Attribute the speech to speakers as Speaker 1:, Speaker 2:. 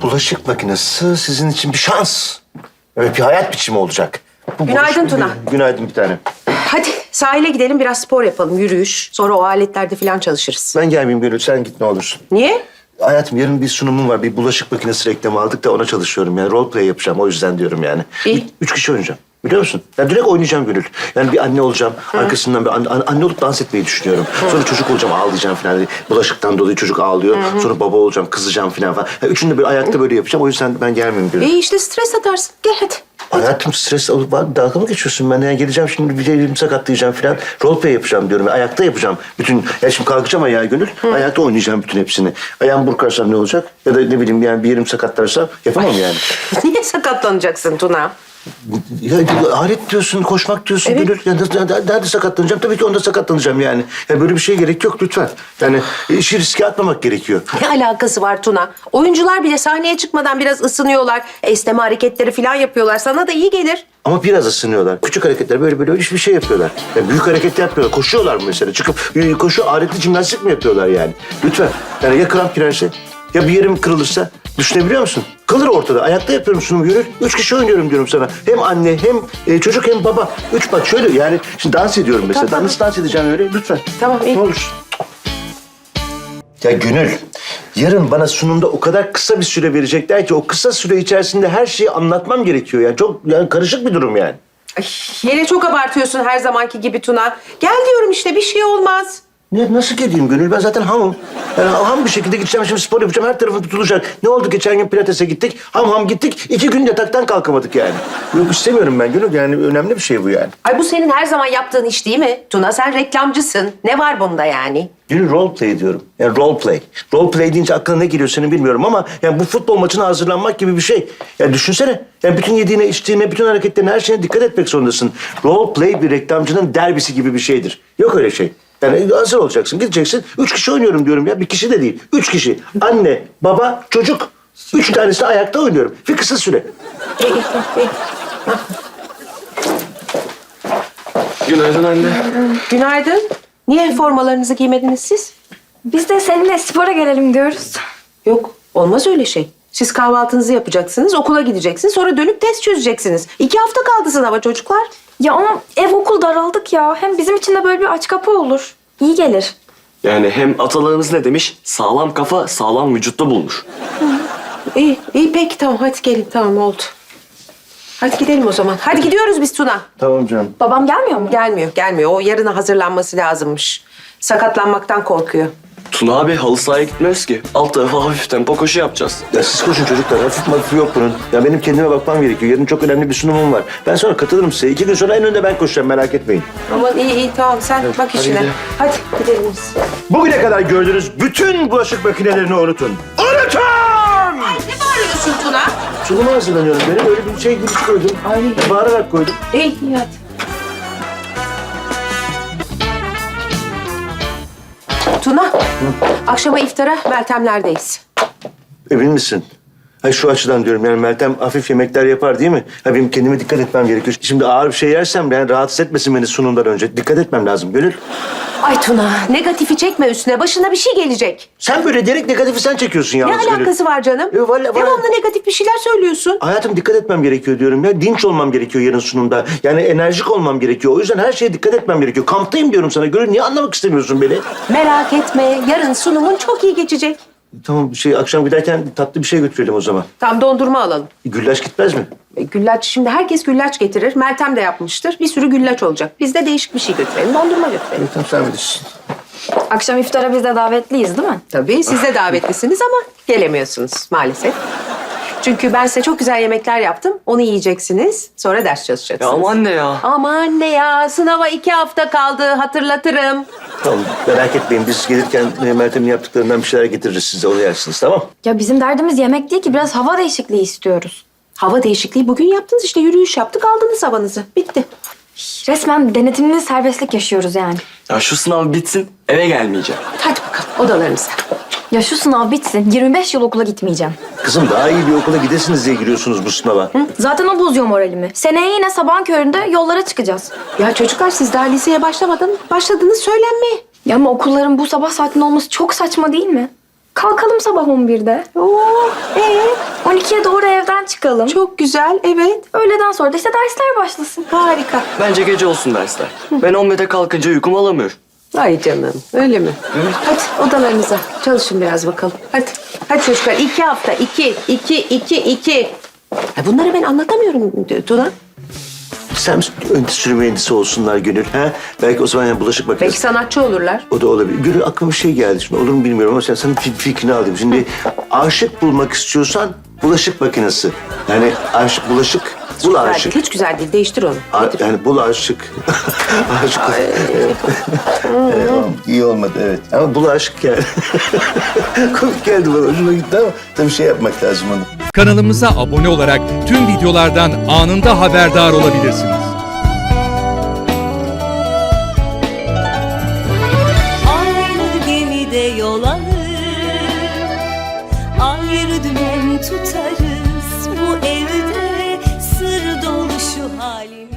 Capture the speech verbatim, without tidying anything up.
Speaker 1: bulaşık makinesi sizin için bir şans. Evet, bir hayat biçimi olacak. Bu
Speaker 2: Günaydın
Speaker 1: bulaşık-
Speaker 2: Tuna.
Speaker 1: Günaydın bir tane.
Speaker 2: Hadi sahile gidelim biraz spor yapalım, yürüyüş. Sonra o aletlerde falan çalışırız.
Speaker 1: Ben gelmeyeyim Gönül, sen git ne olursun.
Speaker 2: Niye?
Speaker 1: Hayatım yarın bir sunumum var. Bir bulaşık makinesi reklamı aldık da ona çalışıyorum. Yani role play yapacağım. O yüzden diyorum yani.
Speaker 2: İyi.
Speaker 1: Üç, üç kişi oynayacağım. Biliyor musun? Ya direkt oynayacağım Gönül. Yani bir anne olacağım. Arkasından bir anne, anne olup dans etmeyi düşünüyorum. Sonra çocuk olacağım, ağlayacağım falan. Hani bulaşıktan dolayı çocuk ağlıyor. Sonra baba olacağım, kızacağım falan falan. Ya üçünü de böyle ayakta böyle yapacağım. O yüzden ben gelmeyeyim Gönül.
Speaker 2: İyi işte stres atarsın. Gel hadi.
Speaker 1: Hayatım stres alıp var, dalga mı geçiyorsun? Ben yani geleceğim şimdi bir elimi sakatlayacağım falan. Role play yapacağım diyorum. Ayakta yapacağım. Bütün, ya şimdi kalkacağım ayağa Gönül. Ayakta oynayacağım bütün hepsini. Ayağımı burkarsam ne olacak? Ya da ne bileyim yani bir yerim sakatlarsam yapamam yani.
Speaker 2: Niye sakatlanacaksın Tuna?
Speaker 1: Ya alet diyorsun, koşmak diyorsun
Speaker 2: Evet.
Speaker 1: Gönül. Ya, nerede, nerede sakatlanacağım? Tabii ki onda sakatlanacağım yani. Ya böyle bir şeye gerek yok lütfen. Yani işi riske atmamak gerekiyor.
Speaker 2: Ne alakası var Tuna? Oyuncular bile sahneye çıkmadan biraz ısınıyorlar. Esneme hareketleri falan yapıyorlar. Sana da iyi gelir.
Speaker 1: Ama biraz ısınıyorlar. Küçük hareketler böyle böyle hiçbir şey yapıyorlar. Yani büyük hareket yapmıyorlar. Koşuyorlar mı mesela? Çıkıp e, koşu aletli jimnastik mi yapıyorlar yani? Lütfen. Yani ya kramp girerse ya bir yerim kırılırsa düşünebiliyor musun? Kalır ortada. Ayakta yapıyorum sunumu Gönül. Üç kişi oynuyorum diyorum sana. Hem anne hem e, çocuk hem baba. Üç bak şöyle yani şimdi dans ediyorum mesela.
Speaker 2: Tamam,
Speaker 1: Nasıl dans edeceğim öyle? Lütfen.
Speaker 2: Tamam, iyi.
Speaker 1: Ne olursun. Ya Gönül, yarın bana sunumda o kadar kısa bir süre verecekler ki o kısa süre içerisinde her şeyi anlatmam gerekiyor. Yani çok yani karışık bir durum yani.
Speaker 2: Ay, yine çok abartıyorsun her zamanki gibi Tuna. Gel diyorum işte bir şey olmaz.
Speaker 1: Ne, nasıl geleyim Gönül? Ben zaten hamım. Yani ham bir şekilde gideceğim şimdi spor yapacağım. Her tarafım tutulacak. Ne oldu geçen gün pilatese gittik. Ham ham gittik. İki gün yataktan kalkamadık yani. Yok istemiyorum ben Gönül. Yani önemli bir şey bu yani.
Speaker 2: Ay bu senin her zaman yaptığın iş değil mi? Tuna sen reklamcısın. Ne var bunda yani?
Speaker 1: Gönül role play diyorum. Yani role play. Role play deyince aklına ne geliyor senin bilmiyorum ama yani bu futbol maçına hazırlanmak gibi bir şey. Yani düşünsene. Yani bütün yediğine, içtiğine, bütün hareketlerine, her şeyine dikkat etmek zorundasın. Role play bir reklamcının derbisi gibi bir şeydir. Yok öyle şey. Yani hazır olacaksın, gideceksin. Üç kişi oynuyorum diyorum ya. Bir kişi de değil. Üç kişi. Anne, baba, çocuk. Üç tanesi ayakta oynuyorum. Bir kısa süre.
Speaker 3: Günaydın anne.
Speaker 2: Günaydın. Niye formalarınızı giymediniz siz?
Speaker 4: Biz de seninle spora gelelim diyoruz.
Speaker 2: Yok, olmaz öyle şey. Siz kahvaltınızı yapacaksınız, okula gideceksiniz, sonra dönüp test çözeceksiniz. İki hafta kaldı sınava çocuklar.
Speaker 4: Ya ama ev okul daraldık ya. Hem bizim için de böyle bir aç kapı olur. İyi gelir.
Speaker 3: Yani hem atalarımız ne demiş? Sağlam kafa sağlam vücutta bulmuş.
Speaker 2: İyi, iyi peki tamam hadi gelin tamam oldu. Hadi gidelim o zaman. Hadi gidiyoruz biz Tuna.
Speaker 1: Tamam canım.
Speaker 4: Babam gelmiyor mu?
Speaker 2: Gelmiyor, gelmiyor. O yarına hazırlanması lazımmış. Sakatlanmaktan korkuyor.
Speaker 3: Tuna abi halı sahaya gitmiyoruz ki. Alt tarafı hafif tempo koşu yapacağız.
Speaker 1: Ya siz koşun çocuklar. Hafif hafif yok bunun. Ya benim kendime bakmam gerekiyor. Yarın çok önemli bir sunumum var. Ben sonra katılırım size. İki gün sonra en önde ben koşacağım. Merak etmeyin.
Speaker 2: Aman iyi iyi tamam sen bak
Speaker 3: hadi
Speaker 2: işine.
Speaker 3: gidelim.
Speaker 2: Hadi gidelim biz.
Speaker 1: Bugüne kadar gördüğünüz bütün bulaşık makinelerini unutun. Unutun!
Speaker 2: Ne bağırıyorsun Tuna?
Speaker 1: Sunuma hazırlanıyorum. Benim öyle bir şey gülüş koydum.
Speaker 2: Ay.
Speaker 1: Bağırarak koydum.
Speaker 2: İyi iyi hadi. Tuna, akşama iftara Meltemler'deyiz.
Speaker 1: Emin misin? Hayır şu açıdan diyorum yani Meltem hafif yemekler yapar değil mi? Ha benim kendime dikkat etmem gerekiyor. Şimdi ağır bir şey yersem yani rahatsız etmesin beni sunumdan önce. Dikkat etmem lazım Gönül.
Speaker 2: Ay Tuna, negatifi çekme üstüne. Başına bir şey gelecek.
Speaker 1: Sen böyle direkt negatifi sen çekiyorsun
Speaker 2: Ne
Speaker 1: yalnız Gönül.
Speaker 2: alakası var canım?
Speaker 1: E, valla- valla-
Speaker 2: Devamlı negatif bir şeyler söylüyorsun.
Speaker 1: Hayatım dikkat etmem gerekiyor diyorum ya. Dinç olmam gerekiyor yarın sunumda. Yani enerjik olmam gerekiyor. O yüzden her şeye dikkat etmem gerekiyor. Kamptayım diyorum sana. Gönül niye anlamak istemiyorsun beni?
Speaker 2: Merak etme, yarın sunumun çok iyi geçecek.
Speaker 1: Tamam şey akşam giderken tatlı bir şey götürelim o zaman.
Speaker 2: Tam dondurma alalım.
Speaker 1: Güllaç gitmez mi?
Speaker 2: E, güllaç, şimdi herkes güllaç getirir. Meltem de yapmıştır. Bir sürü güllaç olacak. Biz de değişik bir şey götürelim. Dondurma götürelim.
Speaker 1: Tamam sen bilirsin.
Speaker 4: Akşam iftara biz de davetliyiz değil mi?
Speaker 2: Tabii siz de davetlisiniz ama gelemiyorsunuz maalesef. Çünkü ben size çok güzel yemekler yaptım. Onu yiyeceksiniz. Sonra ders
Speaker 3: Ya
Speaker 2: çalışacaksınız.
Speaker 3: ama anne ya.
Speaker 2: Aman anne ya, sınava iki hafta kaldı. Hatırlatırım.
Speaker 1: Tamam merak etmeyin. Biz gelirken e, Meltem'in yaptıklarından bir şeyler getiririz size. Onu yersiniz tamam?
Speaker 4: Ya bizim derdimiz yemek değil ki. Biraz hava değişikliği istiyoruz.
Speaker 2: Hava değişikliği bugün yaptınız işte. Yürüyüş yaptık, aldınız havanızı. Bitti.
Speaker 4: Resmen denetimli serbestlik yaşıyoruz yani.
Speaker 3: Ya şu sınav bitsin eve gelmeyeceğim.
Speaker 2: Hadi bakalım odalarınıza.
Speaker 4: Ya şu sınav bitsin. yirmi beş yıl okula gitmeyeceğim.
Speaker 1: Kızım daha iyi bir okula gidesiniz diye giriyorsunuz bu sınava.
Speaker 4: Zaten o bozuyor moralimi. Seneye yine sabahın köründe yollara çıkacağız.
Speaker 2: Ya çocuklar siz daha liseye başlamadan başladınız söylenmeye.
Speaker 4: Ya ama okulların bu sabah saatinde olması çok saçma değil mi? Kalkalım sabah on birde.
Speaker 2: Oo, ee,
Speaker 4: ikiye doğru evden çıkalım.
Speaker 2: Çok güzel, evet.
Speaker 4: Öğleden sonra da işte dersler başlasın.
Speaker 2: Harika.
Speaker 3: Bence gece olsun dersler. Ben on birde kalkınca uykum alamıyor.
Speaker 2: Ay canım, öyle mi? Hadi odalarınıza. Çalışın biraz bakalım. Hadi. Hadi çocuklar, iki hafta. iki, iki, iki, iki. Ya bunları ben anlatamıyorum Tuna.
Speaker 1: Sen endüstri mühendisi olsunlar Gönül. Ha? Belki o zaman yani bulaşık
Speaker 2: Belki
Speaker 1: makinesi.
Speaker 2: sanatçı olurlar.
Speaker 1: O da olabilir. Gönül aklıma bir şey geldi. Şimdi olur mu bilmiyorum ama sen senin fik- fikrini alayım. Şimdi aşık bulmak istiyorsan bulaşık makinesi. Yani aşık, bulaşık, bul
Speaker 2: Güzel
Speaker 1: aşık.
Speaker 2: değil, hiç güzel değil. Değiştir onu.
Speaker 1: A- yani bul aşık. Aşık. Evet. Evet, İyi olmadı evet. Ama bul aşık yani. Komik geldi bana. Hoşuma gitti ama tabii şey yapmak lazım onu.
Speaker 5: Kanalımıza abone olarak tüm videolardan anında haberdar olabilirsiniz.
Speaker 6: Aynı gemide yol alır, ayrı dümen tutarız. Bu evde sır dolu şu halimiz.